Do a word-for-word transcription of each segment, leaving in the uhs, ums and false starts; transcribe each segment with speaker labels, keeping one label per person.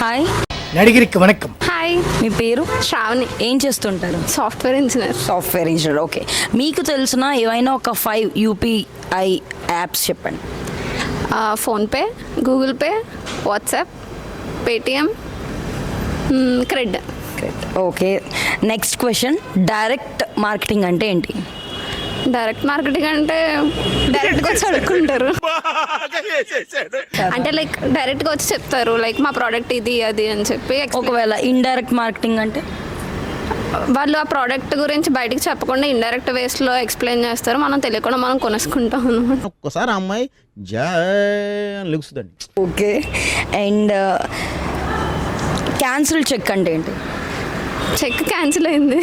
Speaker 1: Hi
Speaker 2: నడిగిరికి వణకం.
Speaker 3: Hi,
Speaker 1: మీ పేరు?
Speaker 3: శ్రావణి.
Speaker 1: ఏం చేస్తుంటారు?
Speaker 3: Software engineer.
Speaker 1: Software engineer. Okay, మీకు తెలిసిన ఏవైనా ఒక ఫైవ్ యూపీఐ యాప్స్ చెప్పండి.
Speaker 3: PhonePe, Google Pay, WhatsApp, Paytm, CRED.
Speaker 1: Okay, next question. Direct marketing అంటే ఏంటి?
Speaker 3: డైరెక్ట్ మార్కెటింగ్ అంటే డైరెక్ట్గా వచ్చి అడుక్కుంటారు. అంటే లైక్ డైరెక్ట్గా వచ్చి చెప్తారు, లైక్ మా ప్రోడక్ట్ ఇది అది అని చెప్పి.
Speaker 1: ఒకవేళ ఇండైరెక్ట్ మార్కెటింగ్ అంటే?
Speaker 3: వాళ్ళు ఆ ప్రోడక్ట్ గురించి బయటికి చెప్పకుండా ఇండైరెక్ట్ వేస్లో ఎక్స్ప్లెయిన్ చేస్తారు, మనం తెలియకుండా మనం కొనేసుకుంటాం అనమాట.
Speaker 4: ఒక్కసారి ఆ అమ్మాయి జా లుక్స్దండి.
Speaker 1: ఓకే, అండ్ క్యాన్సిల్ చెక్ అంటే ఏంటి?
Speaker 3: చెక్ క్యాన్సిల్ అయింది.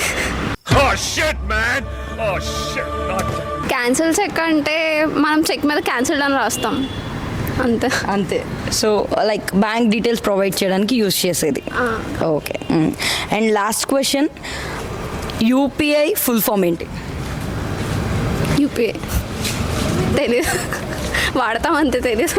Speaker 3: క్యాన్సిల్ చెక్ అంటే మనం చెక్ మీద క్యాన్సిల్ అని రాస్తాం అంతే.
Speaker 1: అంతే. So like bank details provide చేయడానికి యూజ్ చేసేది. Okay, and last question. UPI full form ఏంటి?
Speaker 3: యూపీఐ తెలీదు, వాడతాం అంతే, తెలీదు.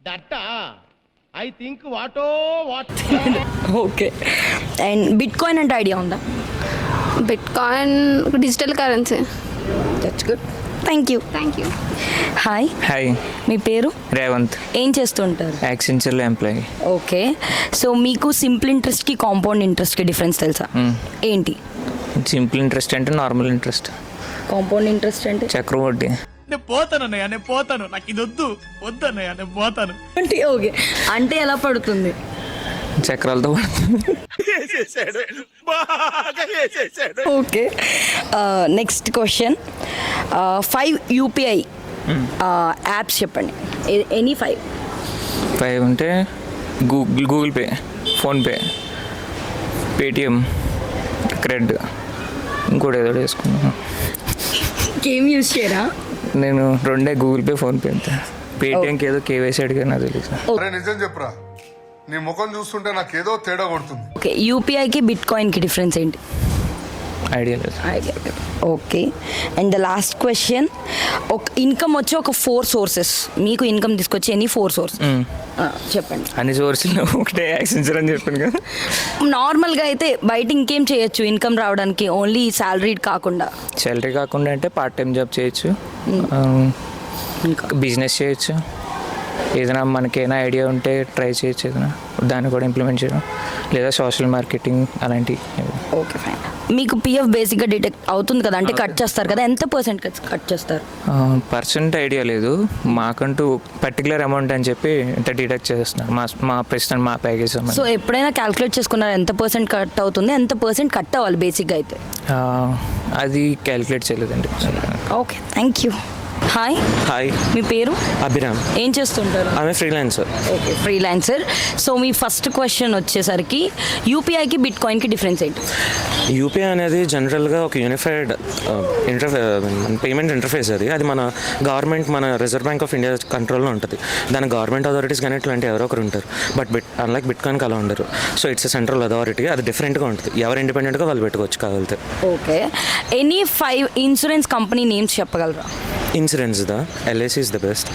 Speaker 4: ఐ థింక్ వాటో what.
Speaker 1: Okay, and bitcoin అంటే ఐడియా ఉందా?
Speaker 3: Bitcoin digital currency.
Speaker 1: That's good, thank you.
Speaker 3: Thank you.
Speaker 1: Hi.
Speaker 5: Hi,
Speaker 1: మీ పేరు?
Speaker 5: రేవంత్.
Speaker 1: ఏం చేస్తుంటారు?
Speaker 5: యాక్సెంచర్లో ఎంప్లాయీ.
Speaker 1: ఓకే, సో మీకు సింపుల్ ఇంట్రెస్ట్కి కాంపౌండ్ ఇంట్రెస్ట్కి డిఫరెన్స్ తెలుసా? ఏంటి?
Speaker 5: సింపుల్ ఇంట్రెస్ట్ అంటే నార్మల్ ఇంట్రెస్ట్.
Speaker 1: కాంపౌండ్ ఇంట్రెస్ట్ అంటే?
Speaker 5: చక్రవడ్డీ.
Speaker 6: నేను పోతాను అన్నయ్య, నేను పోతాను, నాకు ఇది వద్దు వద్దు అన్నయ్య, నేను పోతాను
Speaker 1: అంటే ఓకే, అంటే ఎలా పడుతుంది?
Speaker 5: చక్రాలతో పడుతుంది.
Speaker 1: Okay, next question. Five UPI apps చెప్పండి, ఎనీ ఫైవ్.
Speaker 5: ఫైవ్ అంటే Google Google Pay, PhonePe, Paytm, CRED, ఇంకోటి ఏదో వేసుకున్నాను.
Speaker 1: గేమ్ యూజ్ చేయరా?
Speaker 5: నేను రెండే, గూగుల్ పే, ఫోన్పే అంతే. పేటిఎంకి ఏదో కేవైసీ అడిగా, నాకు తెలియదు.
Speaker 7: అరే నిజం చెప్పురా, నీ ముఖం చూస్తుంటే నాకేదో తేడా కొడుతుంది.
Speaker 1: ఓకే, యూపీఐకి బిట్ కాయిన్కి డిఫరెన్స్ ఏంటి?
Speaker 5: ఐడియా లేదు.
Speaker 1: ఐడియా లేదు. Okay, and the last question. ఒక ఇన్కమ్ వచ్చి ఒక ఫోర్ సోర్సెస్, మీకు ఇన్కమ్ తీసుకొచ్చి ఎనీ ఫోర్ సోర్స్ చెప్పండి.
Speaker 5: అన్ని సోర్సులు ఒకటే యాక్సెంచర్ అని చెప్పాను కదా.
Speaker 1: నార్మల్గా అయితే బయట ఇంకేం చేయొచ్చు ఇన్కమ్ రావడానికి, ఓన్లీ శాలరీ కాకుండా?
Speaker 5: శాలరీ కాకుండా అంటే పార్ట్ టైం జాబ్ చేయొచ్చు, బిజినెస్ చేయొచ్చు, ఏదైనా మనకేమైనా ఐడియా ఉంటే ట్రై చేయొచ్చు, ఏదైనా దాన్ని కూడా ఇంప్లిమెంట్ చేయడం, లేదా సోషల్ మార్కెటింగ్ అలాంటివి.
Speaker 1: Okay, fine. మీకు పిఎఫ్ బేసిక్గా డిటెక్ట్ అవుతుంది కదా, అంటే కట్ చేస్తారు కదా, ఎంత పర్సెంట్ కట్ చేస్తారు?
Speaker 5: పర్సెంట్ ఐడియా లేదు, మాకంటూ పర్టికులర్ అమౌంట్ అని చెప్పి ఇంత డిడక్ట్ చేస్తున్నారు మా మా ప్రెసిడెంట్ మా ప్యాకేజ్.
Speaker 1: సో ఎప్పుడైనా క్యాల్కులేట్ చేసుకున్నారు ఎంత పర్సెంట్ కట్ అవుతుంది, ఎంత పర్సెంట్ కట్ అవ్వాలి బేసిక్గా అయితే?
Speaker 5: అది క్యాల్కులేట్ చేయలేదండి.
Speaker 1: Okay, thank you. Hi.
Speaker 8: Hi,
Speaker 1: మీ పేరు?
Speaker 8: అభిరామ్.
Speaker 1: ఏం చేస్తుంటారు?
Speaker 8: ఆమె ఫ్రీలాన్సర్.
Speaker 1: Okay, freelancer. సో మీ ఫస్ట్ క్వశ్చన్ వచ్చేసరికి యూపీఐకి బిట్ కాయిన్కి డిఫరెన్స్ ఏంటి?
Speaker 8: యూపీఐ అనేది జనరల్గా ఒక యూనిఫైడ్ ఇంటర్ఫే పేమెంట్ ఇంటర్ఫేస్. అది అది మన గవర్నమెంట్, మన రిజర్వ్ బ్యాంక్ ఆఫ్ ఇండియా కంట్రోల్లో ఉంటుంది. దాని గవర్నమెంట్ అథారిటీస్ కానీ ఇట్లాంటి ఎవరో ఒకరు ఉంటారు. బట్ బిట్ అన్లైక్ బిట్ కాయిన్కి అలా ఉండరు. సో ఇట్స్ సెంట్రల్ అథారిటీ, అది డిఫరెంట్గా ఉంటుంది. ఎవరు ఇండిపెండెంట్గా వాళ్ళు పెట్టుకోవచ్చు కావాలితే.
Speaker 1: Okay, any five insurance company names చెప్పగలరా?
Speaker 8: ఇన్సూరెన్స్ దా LIC is the best.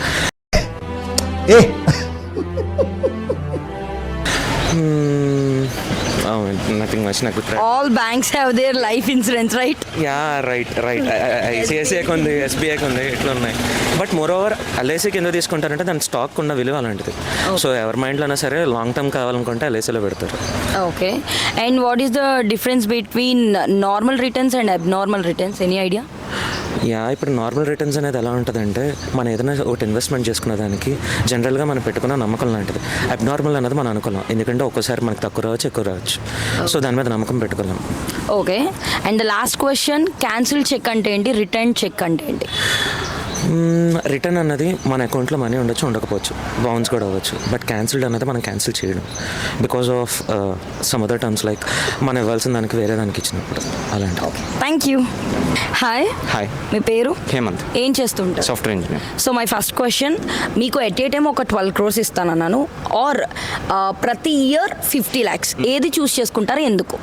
Speaker 8: Nothing much నాకు.
Speaker 1: All banks have their life insurance, right?
Speaker 8: Yeah, right right. ఐసిఐసిఐకి ఉంది, ఎస్బీఐకి ఉంది, ఇట్లా ఉన్నాయి. బట్ మోర్ ఓవర్ ఎల్ఐసికి ఎందుకు తీసుకుంటారంటే దాని స్టాక్ ఉన్న విలువ అలాంటిది. సో ఎవరి మైండ్లోనే సరే లాంగ్ టర్మ్ కావాలనుకుంటే ఎల్ఐసిలో పెడతారు. Okay,
Speaker 1: and what is the difference between normal returns and abnormal returns, any idea?
Speaker 8: Yeah, ఇప్పుడు నార్మల్ రిటర్న్స్ అనేది ఎలా ఉంటుందంటే మనం ఏదైనా ఒకటి ఇన్వెస్ట్మెంట్ చేసుకునే దానికి జనరల్గా మనం పెట్టుకున్న నమ్మకం లాంటిది. అబ్నార్మల్ అనేది మనం అనుకోలేం, ఎందుకంటే ఒక్కోసారి మనకు తక్కువ రావచ్చు, ఎక్కువ రావచ్చు. సో దాని మీద నమ్మకం పెట్టుకోలేం.
Speaker 1: Okay, and the last question. Cancel check అంటే ఏంటి, రిటర్న్ చెక్ అంటే ఏంటి?
Speaker 8: రిటర్న్ అన్నది మన అకౌంట్లో మనీ ఉండొచ్చు, ఉండకపోవచ్చు, బౌన్స్ కూడా అవ్వచ్చు. బట్ క్యాన్సిల్డ్ అన్నది మనం క్యాన్సిల్ చేయడం because of some other terms, like మనం ఇవ్వాల్సిన దానికి వేరే దానికి ఇచ్చినప్పుడు అలాంటి.
Speaker 1: Okay, thank you. Hi.
Speaker 8: Hi,
Speaker 1: మీ పేరు?
Speaker 8: హేమంత్.
Speaker 1: ఏం చేస్తుంటారు?
Speaker 8: Software engineer.
Speaker 1: So my first question. మీకు ఎట్ ఏ టైం ఒక ట్వెల్వ్ క్రోర్స్ ఇస్తానన్నాను, ఆర్ ప్రతి ఇయర్ ఫిఫ్టీ ల్యాక్స్, ఏది చూస్ చేసుకుంటారు, ఎందుకు?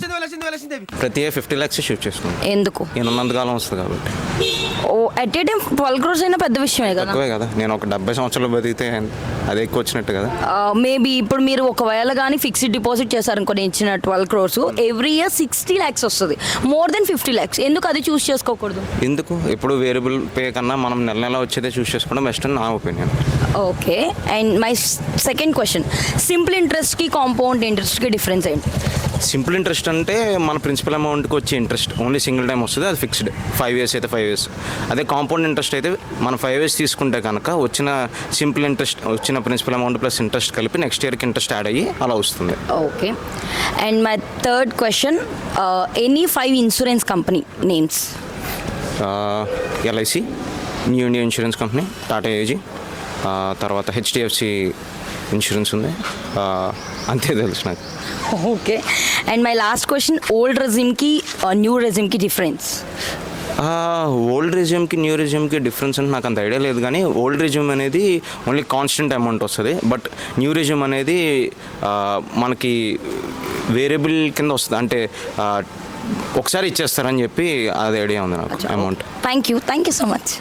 Speaker 8: ప్రతి ఇయర్ ఫిఫ్టీ ల్యాక్స్ షూట్ చేసుకుంటాం.
Speaker 1: ఎందుకు?
Speaker 8: నేను ఉన్నంతకాలం వస్తుంది కాబట్టి.
Speaker 1: ఓ, at a time twelve crores అయినా పెద్ద విషయమే కదా.
Speaker 2: తక్కువే కదా, నేను ఒక డెబ్బై సంవత్సరాలు బతికితే అదే ఎక్కువ వచ్చినట్టు కదా.
Speaker 1: మేబీ ఇప్పుడు మీరు ఒకవేళ కానీ ఫిక్స్డ్ డిపాజిట్ చేశారనుకో నేను ఇచ్చిన twelve crores every year sixty lakhs వస్తుంది, మోర్ దెన్ ఫిఫ్టీ ల్యాక్స్, ఎందుకు అది చూస్ చేసుకోకూడదు?
Speaker 2: ఎందుకు ఇప్పుడు వేరియబుల్ పే కన్నా మనం నెల నెల వచ్చేదే చూస్ చేసుకోవడం బెస్ట్ అని నా opinion.
Speaker 1: Okay, and my second question, simple ఇంట్రెస్ట్కి కాంపౌండ్ ఇంట్రెస్ట్కి డిఫరెన్స్ ఏంటి?
Speaker 2: సింపుల్ ఇంట్రెస్ట్ అంటే మన ప్రిన్సిపల్ అమౌంట్కి వచ్చే ఇంట్రెస్ట్ ఓన్లీ సింగిల్ టైం వస్తుంది, అది ఫిక్స్డ్ ఫైవ్ ఇయర్స్ అయితే ఫైవ్ ఇయర్స్. అదే కాంపౌండ్ ఇంట్రెస్ట్ అయితే మనం ఫైవ్ ఇయర్స్ తీసుకుంటే కనుక వచ్చిన సింపుల్ ఇంట్రెస్ట్ వచ్చిన ప్రిన్సిపల్ అమౌంట్ ప్లస్ ఇంట్రెస్ట్ కలిపి నెక్స్ట్ ఇయర్కి ఇంట్రెస్ట్ యాడ్ అయ్యి అలా వస్తుంది.
Speaker 1: Okay, and my third question, any five insurance company names?
Speaker 2: LIC, new India insurance company, Tata AIG, తర్వాత హెచ్డిఎఫ్సి ఇన్సూరెన్స్ ఉంది, అంతే తెలుసు నాకు.
Speaker 1: Okay, and my last question, old రెజ్యూమ్కి న్యూ రెజ్యూమ్కి డిఫరెన్స్?
Speaker 2: ఓల్డ్ రెజ్యూమ్కి న్యూ రెజ్యూమ్కి డిఫరెన్స్ అంటే నాకు అంత ఐడియా లేదు, కానీ ఓల్డ్ రెజ్యూమ్ అనేది ఓన్లీ కాన్స్టెంట్ అమౌంట్ వస్తుంది, బట్ న్యూ రెజ్యూమ్ అనేది మనకి వేరియబుల్ కింద వస్తుంది, అంటే ఒకసారి ఇచ్చేస్తారని చెప్పి అది ఐడియా ఉంది నాకు amount.
Speaker 1: Thank you thank you so much.